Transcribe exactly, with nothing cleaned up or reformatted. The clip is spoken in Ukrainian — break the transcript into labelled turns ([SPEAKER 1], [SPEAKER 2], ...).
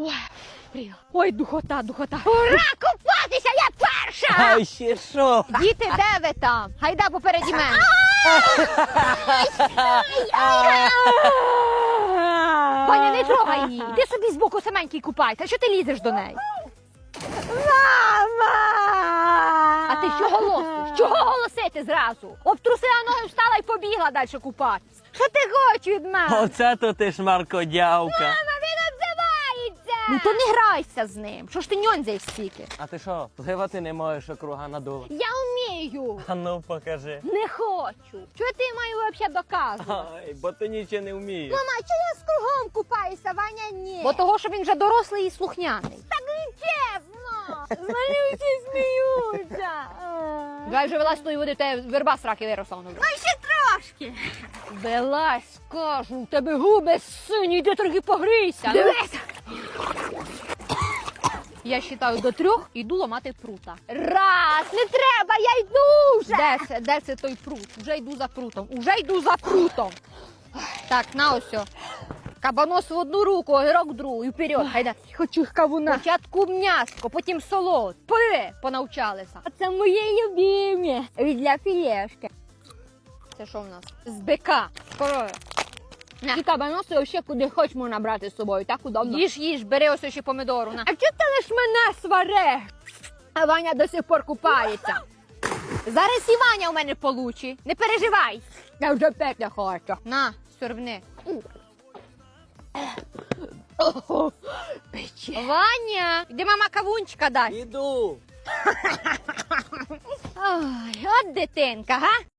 [SPEAKER 1] Ой, пріла. Ой, духота, духота. Ура, купатися, я перша!
[SPEAKER 2] А ще що?
[SPEAKER 1] Діти, де ви там? Гайда попереді мене. Ваня, не трогай її. Іди собі збоку саменький купайся. Що ти лізеш до неї?
[SPEAKER 3] Мама!
[SPEAKER 1] А ти що голосиш? Чого голосити зразу? Обтрусила ноги, встала і побігла далі купатися. Що ти хочеш від мене?
[SPEAKER 2] Оце то ти ж маркодявка.
[SPEAKER 1] Мама, він обзивається! Ну то не грайся з ним. Що ж ти ньонзяєш стільки?
[SPEAKER 2] А ти що, пливати не можеш, округа надула?
[SPEAKER 1] Я вмію.
[SPEAKER 2] А ну покажи.
[SPEAKER 1] Не хочу. Що ти маю взагалі доказувати?
[SPEAKER 2] Ай, бо ти нічого не вмієш.
[SPEAKER 3] Мама, чи я з кругом купаюся, Ваня ні?
[SPEAKER 1] Бо того, що він вже дорослий і слухняний.
[SPEAKER 3] Так не чесно. З мене всі сміються.
[SPEAKER 1] Давай вже вилазь з тої води, в тебе верба з раки виросла.
[SPEAKER 3] Ну ще трошки.
[SPEAKER 1] Вилазь, кажу, у тебе губи сині, йди трохи погрійся.
[SPEAKER 3] Дивись.
[SPEAKER 1] Я вважаю до трьох, іду ламати прута.
[SPEAKER 3] Раз, не треба, я йду вже.
[SPEAKER 1] Де це? Де це той прут? Уже йду за прутом. Уже йду за прутом. Так, на ось. о. Кабанос в одну руку, огірок в другу і вперед. Хайда.
[SPEAKER 3] Хочу кавуна.
[SPEAKER 1] Спочатку м'яско, потім солод. Пи, понавчалися.
[SPEAKER 3] А це мої любимі. Для філешки.
[SPEAKER 1] Це що в нас? З бика. Корови. На.
[SPEAKER 3] І кабаноси ще куди хоч можна брати з собою, так удобно.
[SPEAKER 1] Їж, їж, бери ось ще помидору. На.
[SPEAKER 3] А чого ти лиш мене свариш? А Ваня до сих пор купається.
[SPEAKER 1] Зараз і Ваня у мене получи. Не переживай.
[SPEAKER 3] Я вже п'ять не хочу.
[SPEAKER 1] На, сьорбни.
[SPEAKER 3] Пече.
[SPEAKER 1] Ваня, іди мама кавунчика дай.
[SPEAKER 2] Іду.
[SPEAKER 1] Ой, от дитинка, га?